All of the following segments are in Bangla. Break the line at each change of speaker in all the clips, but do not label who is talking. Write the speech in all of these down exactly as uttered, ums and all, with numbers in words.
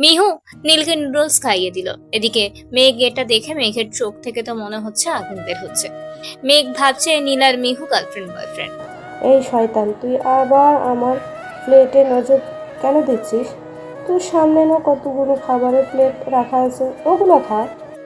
মিহু নীলকে নুডলস খাইয়ে দিল। এদিকে মেঘ এটা দেখে মেঘের চোখ থেকে তো মনে হচ্ছে আগুন বের হচ্ছে। মেঘ ভাবছে নীল আর মিহু গার্লফ্রেন্ড বয়ফ্রেন্ড।
এই শয়তান, তুই আবার আমার প্লেটে নজর কেন দিচ্ছিস? তোর সামনে না কতগুলো খাবারের প্লেট রাখা আছে, ওগুলো খা।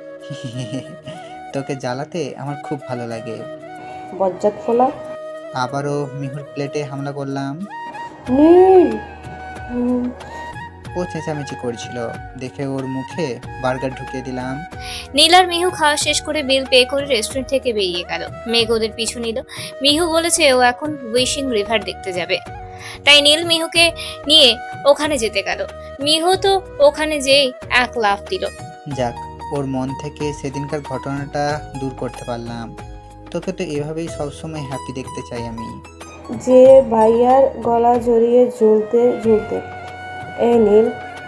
তোকে জ্বালাতে আমার খুব ভালো লাগে।
বজ্জাত ফোলা।
আবারও মিহুর প্লেটে হামলা করলাম।
নীল! হুম,
ও চেঁচামেচি করছিল দেখে ওর মুখে বার্গার ঢুকিয়ে দিলাম।
নীল আর মিহু খাওয়া শেষ করে বিল পে করে রেস্টুরেন্ট থেকে বেরিয়ে গেল। মেঘ ওদের পিছু নিল। মিহু বলেছে ও এখন উইশিং রিভার দেখতে যাবে, তাই নীল মিহুকে নিয়ে ওখানে যেতে গেল। মিহু তো ওখানে যেই এক লাফ দিল।
যাক, ওর মন থেকে সেদিনকার ঘটনাটা দূর করতে পারলাম। তোকে তো এভাবেই সবসময় হ্যাপি দেখতে চাই আমি।
যে ভাইয়ার গলা জড়িয়ে ঝুলতে ঝুলতে এই নীল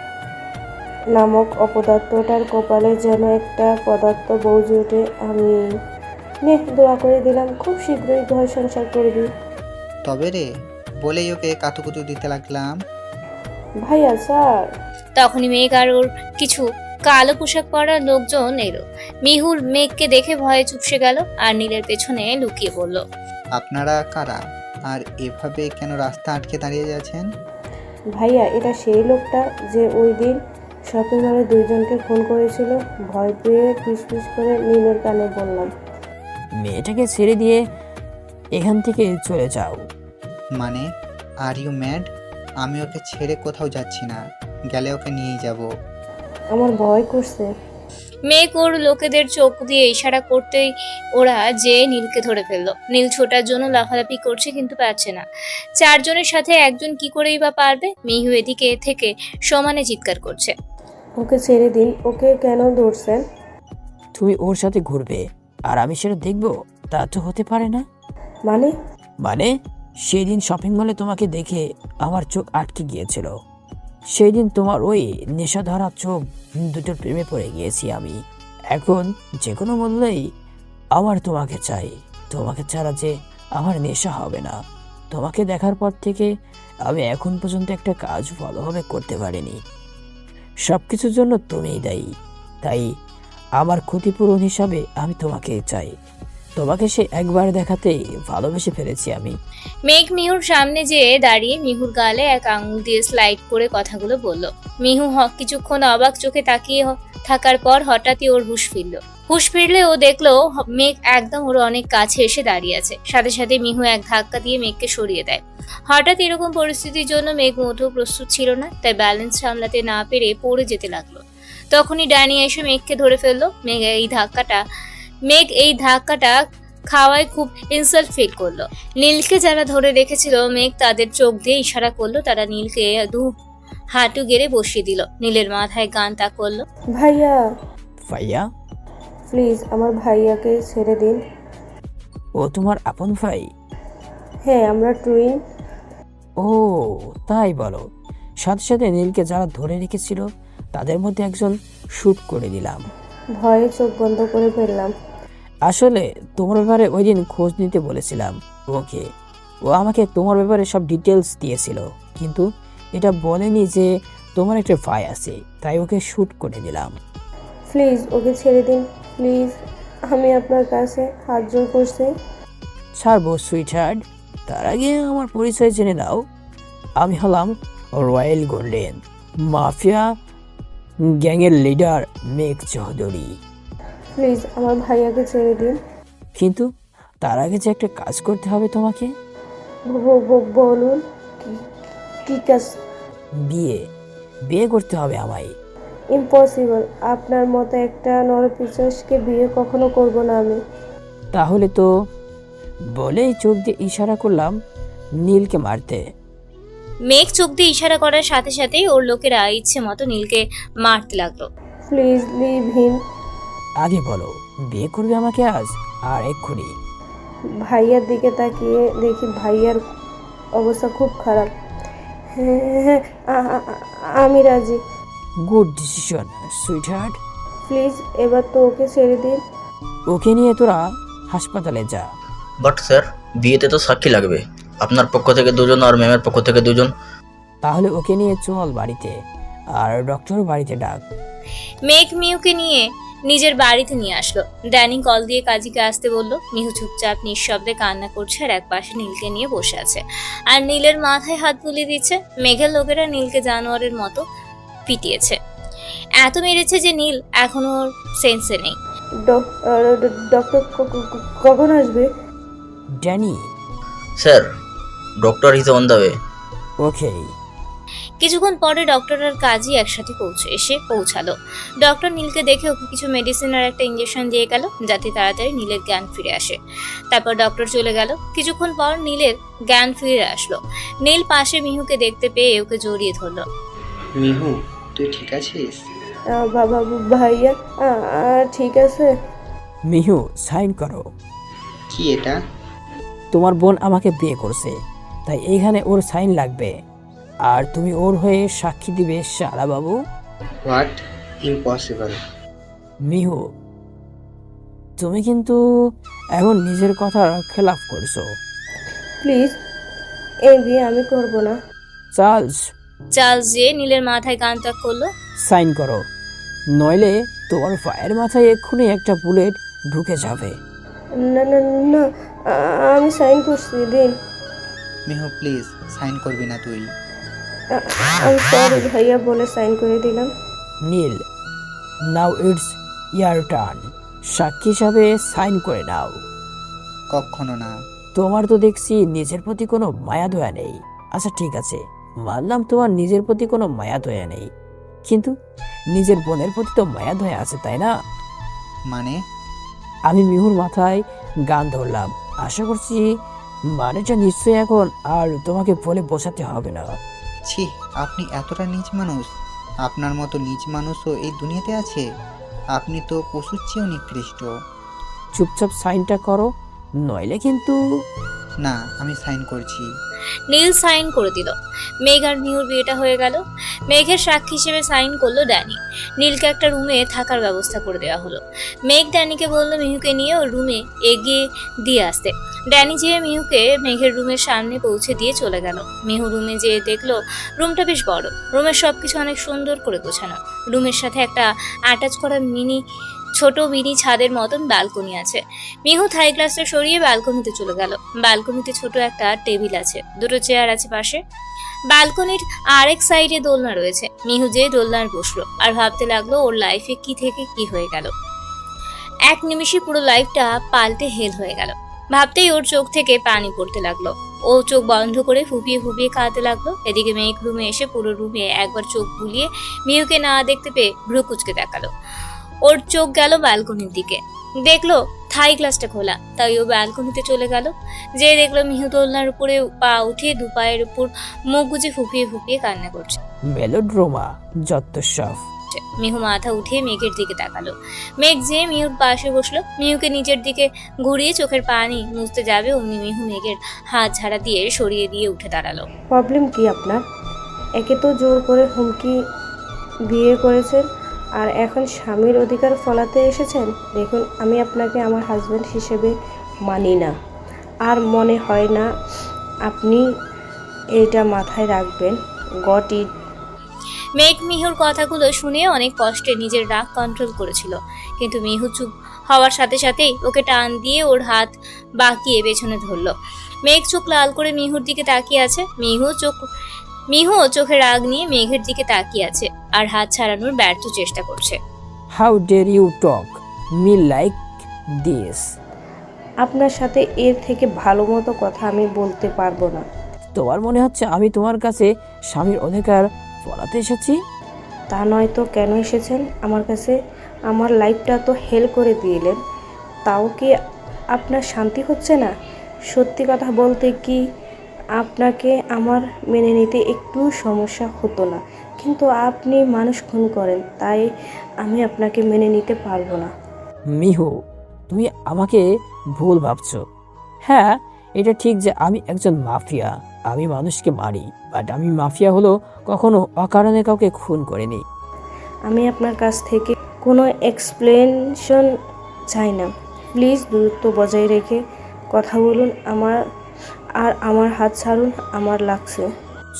নামক অপদার্থটার কপালে যেন একটা পদার্থ বৌজি ওঠে। আমি নে দোয়া করে দিলাম, খুব শীঘ্রই ঘর সংসার করবি।
তবে রে, বলেই ওকে কাতুকুতু দিতে লাগলাম।
ভাইয়া স্যার।
তখনই মেঘ আর ওর কিছু কালো পোশাক পরা লোকজন এলো। মিহুর মেঘকে দেখে ভয়ে চুপসে গেল আর নীলের পেছনে লুকিয়ে পড়ল।
আপনারা কারা? আর এভাবে কেন রাস্তা আটকে দাঁড়িয়ে যাচ্ছেন?
ভাইয়া, এটা সেই লোকটা যে ওই দিন শপিং মলে দুইজনকে ফোন করেছিল। ভয় পেয়ে ফিসফিস করে নীলের কানে বললাম,
মেয়েটাকে ছেড়ে দিয়ে এখান থেকে চলে যাও।
মানে, আর ইউ ম্যাড? আমি ওকে ছেড়ে কোথাও যাচ্ছি না, গেলে ওকে নিয়েই যাব।
আমার ভয় করছে।
মেঘ ওর লোকেদের চোখ দিয়ে ইশারা করতেই ওরা যে নীলকে ধরে ফেললো। নীল ছোটার জন্য লাফালাফি করছে কিন্তু পারছে না। চারজনের সাথে একজন কি করেই বা পারবে? মিহু এদিকে থেকে সমানে চিৎকার করছে।
ওকে ছেড়ে দিন, ওকে কেন ধরছেন?
তুমি ওর সাথে ঘুরবে আর আমি সেটা দেখব? তা তো হতে পারে না।
মানে?
মানে সেই দিন শপিং মলে তোমাকে দেখে আমার চোখ আটকে গিয়েছিল। সেই দিন তোমার ওই নেশা ধরা চোখ দুটোর প্রেমে পড়ে গিয়েছি আমি। এখন যে কোনো মূল্যেই আমার তোমাকে চাই। তোমাকে ছাড়া যে আমার নেশা হবে না। তোমাকে দেখার পর থেকে আমি এখন পর্যন্ত একটা কাজ ভালোভাবে করতে পারিনি। সব কিছুর জন্য তুমিই দায়ী। তাই আমার ক্ষতিপূরণ হিসাবে আমি তোমাকে চাই। তোমাকে সে একবার দেখাতেই ভালোবেসে ফেলেছি আমি।
মেঘ মিহুর সামনে যেয়ে দাঁড়িয়ে মিহুর গালে এক আঙুল দিয়ে স্লাইড করে কথাগুলো বলল। মিহু হক কিছুক্ষণ অবাক চোখে তাকিয়ে হ- থাকার পর হঠাৎই ওর হুঁশ ফিরল। হুঁশ ফিরলে ও দেখলো হ- মেঘ একদম ওর অনেক কাছে এসে দাঁড়িয়ে আছে। সাথে সাথে মিহু এক ধাক্কা দিয়ে মেঘকে সরিয়ে দেয়। হঠাৎ এরকম পরিস্থিতির জন্য মেঘ মোটেও প্রস্তুত ছিল না, তাই ব্যালেন্স সামলাতে না পেরে পড়ে যেতে লাগলো। তখনই ডানি এসে মেঘকে ধরে ফেললো। মেঘ এই ধাক্কাটা মেঘ এই ধাক্কাটা খাওয়ায় খুব ইনসাল্ট ফিল করলো। নীলকে যারা ধরে রেখেছিল মেঘ তাদের চোখ দিয়ে ইশারা করলো। তারা নীলকে দু হাঁটু গেড়ে বসিয়ে দিল। নীলের মাথায় গান তা করলো।
ভাইয়া
ভাইয়া?
প্লিজ আমার ভাইয়াকে ছেড়ে দিন।
ও তোমার আপন ভাই?
হ্যাঁ, আমরা টুইন।
ও তাই বলো। সাথে সাথে নীলকে যারা ধরে রেখেছিল তাদের মধ্যে একজন শুট করে দিলাম।
ভয়ে চোখ বন্ধ করে ফেললাম।
আসলে তোমার ব্যাপারে ওই দিন খোঁজ নিতে বলেছিলাম ওকে। ও আমাকে তোমার ব্যাপারে সব ডিটেলস দিয়েছিল, কিন্তু এটা বলেনি যে তোমার একটা ভাই আছে, তাই ওকে শুট করে দিলাম।
প্লিজ ওকে ছেড়ে দিন, প্লিজ। আমি আপনার কাছে হাত জোর করছি।
ছাড়বো সুইটহার্ট, তার আগে আমার পরিচয় জেনে নাও। আমি হলাম রয়্যাল গোল্ডেন মাফিয়া গ্যাংয়ের লিডার মেঘ চৌধুরী।
প্লিজ আমার ভাইয়াকে ছেড়ে দিন।
কিন্তু তার আগে যে একটা কাজ করতে হবে তোমাকে।
ব- ব- বলুন কি- কি কাজ?
বিয়ে বিয়ে করতে হবে আমায়।
ইম্পসিবল। আপনার মতো একটা নরপিশাচকে বিয়ে কখনো করব না আমি।
তাহলে তো বলেই চোখ দিয়ে ইশারা করলাম নীলকে মারতে।
মেঘ চোখ দিয়ে ইশারা করার সাথে সাথেই ওর লোকেরা ইচ্ছে মতো নীলকে মারতে লাগলো।
Please leave him.
আগে বলো, বিয়ে করবে আমাকে আজ আর এক্ষুনি?
ভাইয়ার দিকে তাকিয়ে দেখি ভাইয়ার অবস্থা খুব খারাপ। হ্যাঁ হ্যাঁ, আ- আ- আ- আমি রাজি।
Good decision sweetheart.
প্লিজ এবার তো ওকে ছেড়ে দিন।
ওকে নিয়ে তোরা হাসপাতালে যা।
বাট স্যার, বিয়েতে তো সাক্ষী লাগবে। আপনার পক্ষ থেকে দুজন আর ম্যামের পক্ষ থেকে দুজন।
তাহলে ওকে নিয়ে চল বাড়িতে, আর ডক্টর বাড়িতে ডাক।
মেঘ মিহুকে নিয়ে নিজের বাড়িতে নিয়ে আসলো। ড্যানি কল দিয়ে কাজীকে আসতে বলল। মিহু চুপচাপ নিঃশব্দে কান্না করছে আর একপাশে নীলকে নিয়ে বসে আছে আর নীলের মাথায় হাত বুলিয়ে দিচ্ছে। মেঘের লোকেরা নীলকে জানোয়ারের মতো পিটিয়েছে, এত মেরেছে যে নীল এখনো ওর সেন্সে নেই।
ডক- আহ, ড- ডক্টর ক- ক- ক- কখন আসবে?
Danny,
sir, doctor is on the way.
Okay.
কিছুক্ষণ পরে ডক্টর আর কাজী একসাথে পৌঁছে এসে পৌঁছালো। ডক্টর নীলকে দেখে ওকে কিছু মেডিসিন আর একটা ইঞ্জেকশন দিয়ে গেল যাতে তাড়াতাড়ি নীলের জ্ঞান ফিরে আসে। তারপর ডক্টর চলে গেল। কিছুক্ষণ পর নীলের জ্ঞান ফিরে আসলো। নীল পাশে মিহুকে দেখতে পেয়ে ওকে জড়িয়ে ধরলো।
মিহু, তুই ঠিক আছিস?
আহ, বাবা ভাইয়া আহ, আহ, ঠিক আছে।
মিহু, সাইন করো।
কি এটা?
তোমার বোন আমাকে বিয়ে করছে, তাই এইখানে ওর সাইন লাগবে। আর তুমি ওর হয়ে সাক্ষী দিবে শালা বাবু।
হোয়াট? ইম্পসিবল।
মিহু, তুমি কিন্তু এখন নিজের কথার খেলাফ করছো।
প্লিজ, এই বিয়ে আমি করব না।
চার্লস,
চার্লস যে নীলের মাথায় গান ত্যাগ করলো।
সাইন করো, নইলে তোমার পায়ের মাথায় এক্ষুনি একটা বুলেট ঢুকে যাবে।
না না না, আ- আমি সাইন করছি, দিন।
মিহু প্লিজ, সাইন করবি না তুই?
আ- আমি সরি ভাইয়া বলে সাইন করে দিলাম।
Neel, now it's your turn. সাক্ষী হিসাবে সাইন করে নাও।
কখনো না।
তোমার তো দেখছি নিজের প্রতি কোনো মায়া দয়া নেই। আচ্ছা ঠিক আছে, মানলাম তোমার নিজের প্রতি কোনো মায়া দয়া নেই, কিন্তু নিজের বোনের প্রতি তো মায়া দয়া আছে, তাই না?
মানে?
আমি মিহুর মাথায় গান ধরলাম। আশা করছি মানেটা নিশ্চয়ই এখন আর তোমাকে বলে বোঝাতে হবে না।
ছি, আপনি এতটা নীচ মানুষ? আপনার মতো নীচ মানুষও এই দুনিয়াতে আছে? আপনি তো পশুর চেয়েও নিকৃষ্ট।
চুপচাপ সাইনটা করো, নইলে কিন্তু।
না, আমি সাইন করছি।
নীল সাইন করে দিল। মেঘ আর মিহুর বিয়েটা হয়ে গেল। মেঘের সাক্ষী হিসেবে সাইন করলো ড্যানি। নীলকে একটা রুমে থাকার ব্যবস্থা করে দেওয়া হলো। মেঘ ড্যানিকে বললো মিহুকে নিয়ে ওর রুমে এগিয়ে দিয়ে আসতে। ড্যানি যেয়ে মিহুকে মেঘের রুমের সামনে পৌঁছে দিয়ে চলে গেল। মিহু রুমে যেয়ে দেখলো রুমটা বেশ বড়। রুমের সবকিছু অনেক সুন্দর করে গোছানো। রুমের সাথে একটা অ্যাটাচ করা মিনি ছোট মিনি ছাদের মতন ব্যালকনি আছে। মিহু থাই গ্লাসটা সরিয়ে ব্যালকনিতে চলে গেল। ব্যালকনিতে ছোট একটা টেবিল আছে, দুটো চেয়ার আছে পাশে। ব্যালকনির আরেক সাইডে দোলনা রয়েছে। মিহু যে দোলনার বসলো আর ভাবতে লাগলো ওর লাইফে কি থেকে কি হয়ে গেল। এক নিমিষে পুরো লাইফটা পাল্টে হেল হয়ে গেল। ভাবতেই ওর চোখ থেকে পানি পড়তে লাগলো। ও চোখ বন্ধ করে ফুপিয়ে ফুপিয়ে কাঁদতে লাগলো। এদিকে মেঘ রুমে এসে পুরো রুমে একবার চোখ বুলিয়ে মিহুকে না দেখতে পেয়ে ভ্রু কুচকে দেখালো। ওর চোখ গেল ব্যালকনির দিকে, দেখলো থাই গ্লাসটা খোলা। তাই ও ব্যালকনিতে চলে গেল। যে দেখলো মিহু দোলনার উপরে পা উঠিয়ে দু পায়ের উপর মুখ গুজে ফুপিয়ে ফুপিয়ে কান্না করছে।
মেলোড্রামা যত সব।
মিহু মাথা উঠিয়ে মেঘের দিকে তাকালো। মেঘ যে মিহুর পাশে বসলো। মিহুকে নিজের দিকে ঘুরিয়ে চোখের পানি মুছতে যাবে অমনি মিহু মেঘের হাত ঝাড়া দিয়ে সরিয়ে দিয়ে উঠে দাঁড়ালো।
প্রবলেম কি আপনার? একে তো জোর করে হুমকি বিয়ে করেছেন, আর এখন স্বামীর অধিকার ফলাতে এসেছেন। দেখুন, আমি আপনাকে আমার হাজব্যান্ড হিসেবে মানি না, আর মনে হয় না আপনি এটা মাথায় রাখবেন। Got it.
মেঘ মিহুর কথাগুলো শুনে অনেক কষ্টে নিজের রাগ কন্ট্রোল করেছিল, কিন্তু মিহু চুপ হওয়ার সাথে সাথেই ওকে টান দিয়ে ওর হাত বাঁকিয়ে পেছনে ধরলো। মেঘ চোখ লাল করে মিহুর দিকে তাকিয়ে আছে। মিহু চোখ মিহু চোখে রাগ নিয়ে মেঘের দিকে তাকিয়ে আছে আর হাত ছাড়ানোর ব্যর্থ চেষ্টা করছে।
How dare you talk me like this?
আপনার সাথে এর থেকে ভালো মতো কথা আমি বলতে পারবো না।
তোমার মনে হচ্ছে আমি তোমার কাছে স্বামীর অধিকার ফলাতে এসেছি?
তা নয় তো কেন এসেছেন আমার কাছে? আমার লাইফটা তো হেল করে দিলেন, তাও কি আপনার শান্তি হচ্ছে না? সত্যি কথা বলতে কি, আপনাকে আমার মেনে নিতে একটু সমস্যা হতো না, কিন্তু আপনি মানুষ খুন করেন, তাই আমি আপনাকে মেনে নিতে পারবো না।
মিহু, তুমি আমাকে ভুল ভাবছো। হ্যাঁ, এটা ঠিক যে আমি একজন মাফিয়া, আমি মানুষকে মারি, বাট আমি মাফিয়া হলো কখনো অকারণে কাউকে খুন করিনি।
আমি আপনার কাছ থেকে কোনো এক্সপ্লেনেশন চাই না। প্লিজ দূরত্ব বজায় রেখে কথা বলুন। আমার আর আমার হাত ছাড়ুন, আমার লাগছে।
চুপ,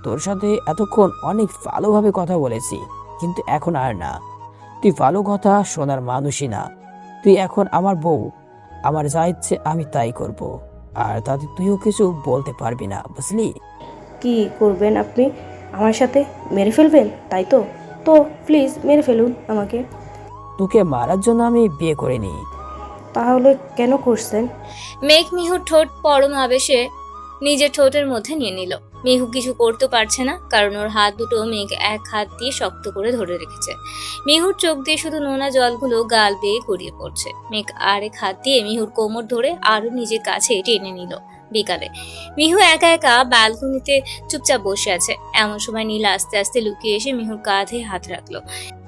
তোর সাথে এতক্ষণ অনেক ভালোভাবে কথা বলেছি, কিন্তু এখন আর না। তুই ভালো কথা শোনার মানুষই না। তুই এখন আমার বউ। আমার যা ইচ্ছে আমি তাই করব, আর তাতে তুইও কিছু বলতে পারবি না, বুঝলি?
কি করবেন আপনি? আমার সাথে মেরে ফেলবেন তাই তো? তো প্লিজ মেরে ফেলুন আমাকে।
তোকে মারার জন্য আমি বিয়ে করিনি।
তাহলে কেন করছেন?
মেঘ মিহুর ঠোঁট পরম আবেশে নিজের ঠোঁটের মধ্যে নিয়ে নিল। মিহু কিছু করতে পারছে না, কারণ ওর হাত দুটো মেঘ এক হাত দিয়ে শক্ত করে ধরে রেখেছে। মিহুর চোখ দিয়ে শুধু নোনা জলগুলো গাল বেয়ে গড়িয়ে পড়ছে। মেঘ আরেক হাত দিয়ে মিহুর কোমর ধরে আরো নিজের কাছে টেনে নিল। বিকালে মিহু একা একা ব্যালকনিতে চুপচাপ বসে আছে। এমন সময় নীলা আস্তে আস্তে লুকিয়ে এসে মিহুর কাঁধে হাত রাখলো।